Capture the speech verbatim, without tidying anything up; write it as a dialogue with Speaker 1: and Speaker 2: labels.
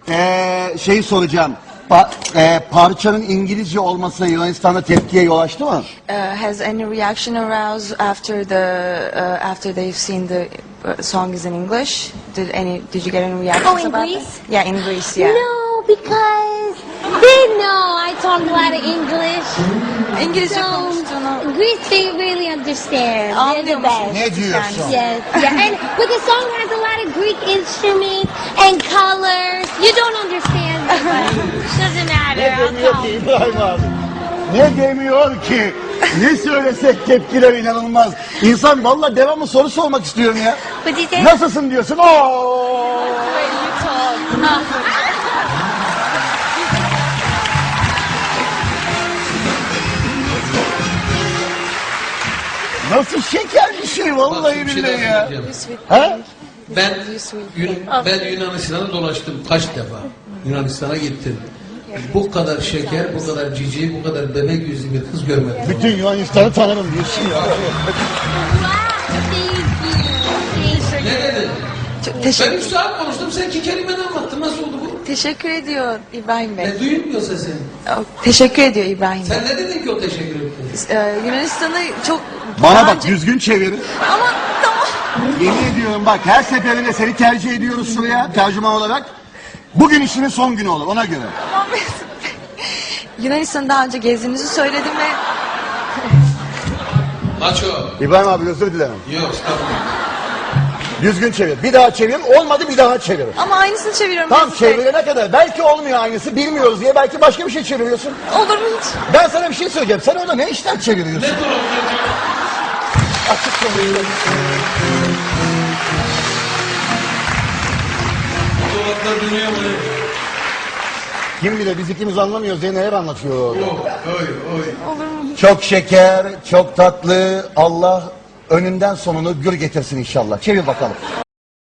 Speaker 1: Ee, şeyi soracağım. Pa e, parçanın İngilizce olması Yunanistan'da tepkiye yol açtı mı?
Speaker 2: Uh, has any reaction aroused after the uh, after they've seen the uh, song is in English? Did any did you get any reactions
Speaker 3: Oh, in
Speaker 2: about
Speaker 3: Greece?
Speaker 2: that? Yeah, in Greece. Yeah.
Speaker 3: No, because they know I talk a lot of English.
Speaker 2: İngilizce
Speaker 3: So
Speaker 2: konuştuğunu
Speaker 3: Greece, they really understand. They're the
Speaker 2: anlıyor
Speaker 3: best.
Speaker 2: musun?
Speaker 1: Ne diyorsun?
Speaker 3: Yes, yeah, and but the song has a lot of Greek instruments and colors. You don't understand, but doesn't matter. I'll
Speaker 1: Demiyor
Speaker 3: talk.
Speaker 1: ki İbrahim abi. Ne demiyor ki? Ne söylesek tepkiler inanılmaz. İnsan vallahi devamlı soru sormak istiyorum ya.
Speaker 3: But you say,
Speaker 1: Nasılsın diyorsun? Oo! Nasıl şeker bir şey vallahi
Speaker 4: Bak, bir şey
Speaker 1: billahi
Speaker 4: daha
Speaker 1: ya.
Speaker 4: söyleyeceğim.
Speaker 1: Ha?
Speaker 4: Ben, Yun- ben Yunanistan'a dolaştım kaç defa. Yunanistan'a gittim. Bu kadar şeker, bu kadar cici, bu kadar bebek yüzlü bir kız görmedim.
Speaker 1: Bütün Yunanistan'ı tanırım diyorsun ya.
Speaker 3: wow, thank you. Thank you.
Speaker 4: Ne dedin?
Speaker 2: Çok
Speaker 4: Ben
Speaker 2: teşekkür,
Speaker 4: üç saat konuştum, sen iki kelimeni anlattın. Nasıl oldu bu?
Speaker 2: teşekkür ediyor İbrahim Bey.
Speaker 4: Ne duyulmuyor sesin.
Speaker 2: Oh, teşekkür ediyor İbrahim Bey.
Speaker 4: Sen ne dedin ki o teşekkür ettin?
Speaker 2: Ee, Yunanistan'ı çok
Speaker 1: Bana
Speaker 2: daha
Speaker 1: bak
Speaker 2: önce-
Speaker 1: düzgün çevirin.
Speaker 2: Ama tamam.
Speaker 1: Yemin ediyorum bak her seferinde seni tercih ediyoruz şuraya tercüman olarak. Bugün işinin son günü olur ona göre.
Speaker 2: Tamam Mesut Bey. Yunanistan'ı daha önce gezdiğinizi söyledim ve
Speaker 4: Maço.
Speaker 1: İbrahim abi özür dilerim.
Speaker 4: Yok, estağfurullah.
Speaker 1: Düzgün çevir. Bir daha çevir. Olmadı bir daha çevir.
Speaker 2: ama aynısını çeviriyorum
Speaker 1: Tam
Speaker 2: Mesut Bey.
Speaker 1: çevirene kadar. Belki olmuyor aynısı bilmiyoruz diye belki başka bir şey çeviriyorsun.
Speaker 2: Olur mu hiç?
Speaker 1: Ben sana bir şey söyleyeceğim. Sen orada ne işler çeviriyorsun?
Speaker 4: Ne dolap
Speaker 1: Açık konuşuyorum.
Speaker 4: dolaplar dönüyor mu?
Speaker 1: Kim bilir biz ikimiz anlamıyoruz diye neler anlatıyor orada.
Speaker 4: Oh, oy, oy.
Speaker 1: Çok şeker, çok tatlı. Allah önünden sonunu gür getirsin inşallah. Çevir bakalım.